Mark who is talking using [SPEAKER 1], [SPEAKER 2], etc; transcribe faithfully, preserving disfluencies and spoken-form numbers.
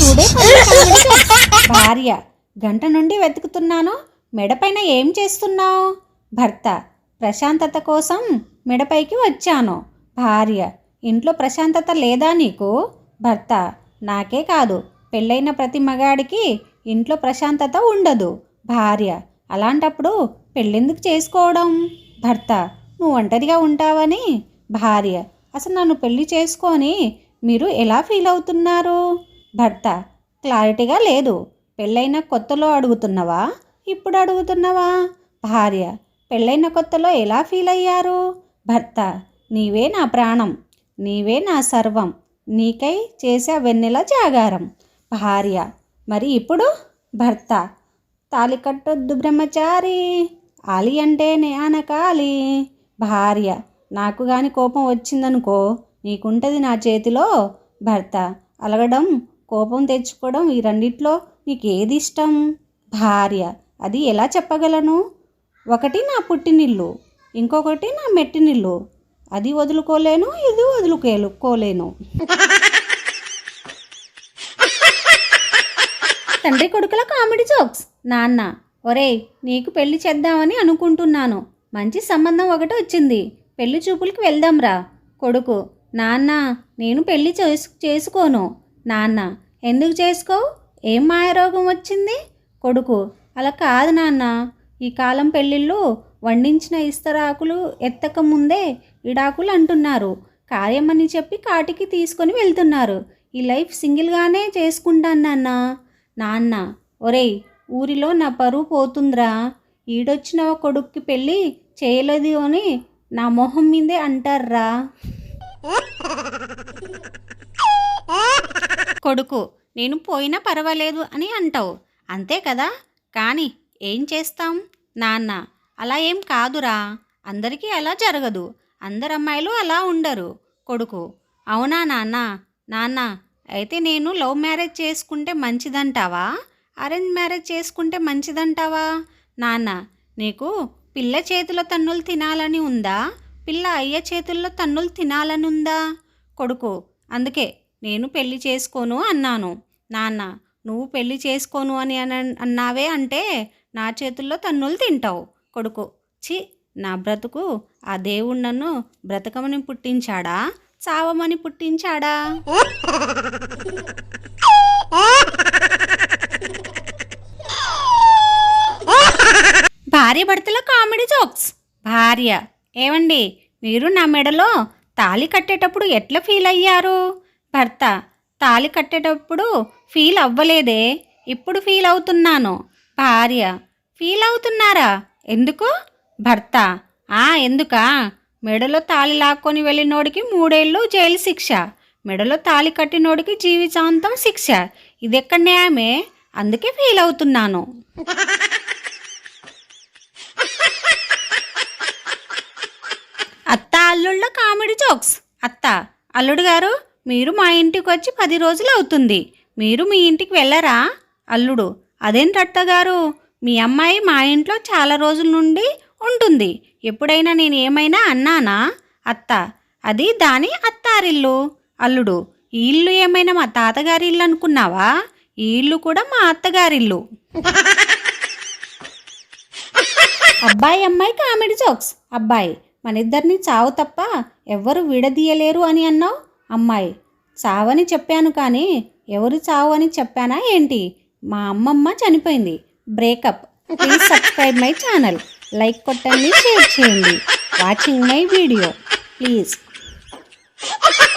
[SPEAKER 1] Today భార్య: గంట నుండి వెతుకుతున్నాను, మెడపైన ఏం చేస్తున్నావు? భర్త: ప్రశాంతత కోసం మెడపైకి వచ్చాను. భార్య: ఇంట్లో ప్రశాంతత లేదా నీకు? భర్త: నాకే కాదు, పెళ్ళైన ప్రతి మగాడికి ఇంట్లో ప్రశాంతత ఉండదు. భార్య: అలాంటప్పుడు పెళ్ళెందుకు చేసుకోవడం? భర్త: నువ్వు ఒంటరిగా ఉంటావని. భార్య: అసలు నన్ను పెళ్లి చేసుకొని మీరు ఎలా ఫీల్ అవుతున్నారు? భర్త: క్లారిటీగా లేదు. పెళ్ళైన కొత్తలో అడుగుతున్నావా, ఇప్పుడు అడుగుతున్నావా? భార్య: పెళ్ళైన కొత్తలో ఎలా ఫీల్ అయ్యారు? భర్త: నీవే నా ప్రాణం, నీవే నా సర్వం, నీకై చేసే వెన్నెల జాగారం. భార్య: మరి ఇప్పుడు? భర్త: తాలి కట్టొద్దు బ్రహ్మచారి, ఆలి అంటే ఆనకాలి. భార్య: నాకు గాని కోపం వచ్చిందనుకో, నీకుంటుంది నా చేతిలో. భర్త: అలగడం, కోపం తెచ్చుకోవడం, ఈ రెండిట్లో నీకు ఏది ఇష్టం? భార్య: అది ఎలా చెప్పగలను? ఒకటి నా పుట్టినిల్లు, ఇంకొకటి నా మెట్టినిల్లు. అది వదులుకోలేను, ఇది వదులుకోలేను. తండ్రి కొడుకుల కామెడీ జోక్స్. నాన్న: ఒరేయ్, నీకు పెళ్లి చేద్దామని అనుకుంటున్నాను, మంచి సంబంధం ఒకటి వచ్చింది, పెళ్లి చూపులకి వెళ్దాంరా. కొడుకు: నాన్న, నేను పెళ్లి చేసు చేసుకోను. నాన్న: ఎందుకు చేసుకోవు? ఏం మాయరోగం వచ్చింది? కొడుకు: అలా కాదు నాన్న, ఈ కాలం పెళ్ళిళ్ళు వండించిన ఇస్తరాకులు ఎత్తక ముందే ఇడాకులు అంటున్నారు. కార్యమని చెప్పి కాటికి తీసుకొని వెళ్తున్నారు. ఈ లైఫ్ సింగిల్గానే చేసుకుంటాను నాన్న. నాన్న: ఒరేయ్, ఊరిలో నా పరువు పోతుందిరా, ఈడొచ్చిన కొడుక్కి పెళ్ళి చేయలేదు అని నా మొహం మీదే అంటారా. కొడుకు: నేను పోయినా పర్వాలేదు అని అంటావు, అంతే కదా, కానీ ఏం చేస్తాం? నాన్న: అలా ఏం కాదురా, అందరికీ అలా జరగదు, అందరు అమ్మాయిలు అలా ఉండరు. కొడుకు: అవునా నాన్న? నాన్న: అయితే నేను లవ్ మ్యారేజ్ చేసుకుంటే మంచిదంటావా, అరేంజ్ మ్యారేజ్ చేసుకుంటే మంచిదంటావా? నాన్న: నీకు పిల్ల చేతిలో తన్నులు తినాలని ఉందా, పిల్ల అయ్య చేతుల్లో తన్నులు తినాలని ఉందా? కొడుకు: అందుకే నేను పెళ్లి చేసుకోను అన్నాను. నాన్న: నువ్వు పెళ్లి చేసుకోను అని అన్నావే అంటే నా చేతుల్లో తన్నులు తింటావు. కొడుకు: ఛీ, నా బ్రతుకు ఆ దేవుడు నన్ను బ్రతకమని పుట్టించాడా, చావమని పుట్టించాడా? భార్య భర్తల కామెడీ జోక్స్. భార్య: ఏమండి, మీరు నా మెడలో తాళి కట్టేటప్పుడు ఎట్లా ఫీల్ అయ్యారు? భర్త: తాళి కట్టేటప్పుడు ఫీల్ అవ్వలేదే, ఇప్పుడు ఫీల్ అవుతున్నాను. భార్య: ఫీల్ అవుతున్నారా, ఎందుకు? భర్త: ఆ ఎందుకా, మెడలో తాళి లాక్కొని వెళ్ళినోడికి మూడేళ్ళు జైలు శిక్ష, మెడలో తాళి కట్టినోడికి జీవితాంతం శిక్ష. ఇది ఎక్కడ న్యాయమే, అందుకే ఫీల్ అవుతున్నాను. అత్త అల్లుళ్ళ కామెడీ జోక్స్. అత్త: అల్లుడు గారు, మీరు మా ఇంటికి వచ్చి పది రోజులు అవుతుంది, మీరు మీ ఇంటికి వెళ్ళరా? అల్లుడు: అదేంటత్త గారు, మీ అమ్మాయి మా ఇంట్లో చాలా రోజుల నుండి ఉంటుంది, ఎప్పుడైనా నేను ఏమైనా అన్నానా? అత్త: అది దాని అత్తారిల్లు. అల్లుడు: ఈ ఇల్లు ఏమైనా మా తాతగారి ఇల్లు అనుకున్నావా? ఈ ఇల్లు కూడా మా అత్తగారిల్లు. అబ్బాయి అమ్మాయి కామెడీ జోక్స్. అబ్బాయి: మన ఇద్దరిని చావు తప్ప ఎవ్వరు విడదీయలేరు అని అన్నావు. అమ్మాయి: చావని చెప్పాను కానీ ఎవరు చావు అని చెప్పానా ఏంటి? మా అమ్మమ్మ చనిపోయింది. Breakup. Please subscribe my channel, like కొట్టండి, షేర్ చేయండి. Watching my video please.